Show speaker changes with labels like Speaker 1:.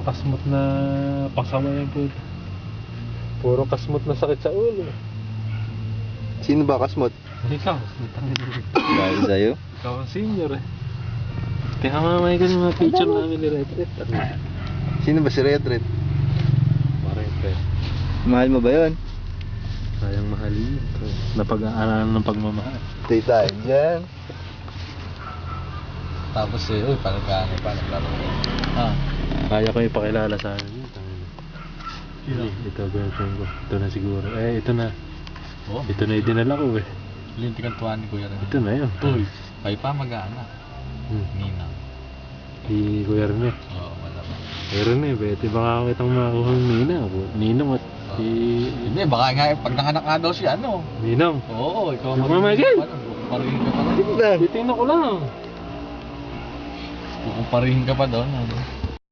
Speaker 1: kasmot na pasaway po. Puro kasmot na sakit sa ulo.
Speaker 2: Sino ba kasmot?
Speaker 1: Ikaw.
Speaker 2: Dahil sa'yo?
Speaker 1: Ikaw ang senior eh. Kaya mamay ko yung mga picture namin ni Red Red.
Speaker 2: Sino ba si Red Red?
Speaker 1: Red Red.
Speaker 2: Mahal mo ba yun?
Speaker 1: Sayang mahalin ito. Napag-aaralan ng pagmamahal.
Speaker 2: Stay tayo dyan.
Speaker 3: Tapos uy, paano naglaro?
Speaker 1: Kaya ko ipakilala sa akin. Ito girlfriend ko. Ito na siguro. Ito na.
Speaker 3: Oh,
Speaker 1: Ito na yung dinala ko eh.
Speaker 3: lintikan tuwan ni Kuya Ren.
Speaker 1: Ito na yun.
Speaker 3: Uy, kayo pa mag-anak. Nina.
Speaker 1: Si Kuya Rene.
Speaker 3: Oo, malamang.
Speaker 1: Kuya Rene, pwede baka kitang makakuha ng Ninong at si...
Speaker 3: Hindi, baka nga pag nanganak nga daw si ano.
Speaker 1: Ninong.
Speaker 3: Oo, ikaw
Speaker 1: Mamagay!
Speaker 3: Parihin ka pa
Speaker 2: Sige
Speaker 3: doon.
Speaker 2: lang.
Speaker 1: Titingnan ko lang.
Speaker 3: Parihin ka pa doon. Ano?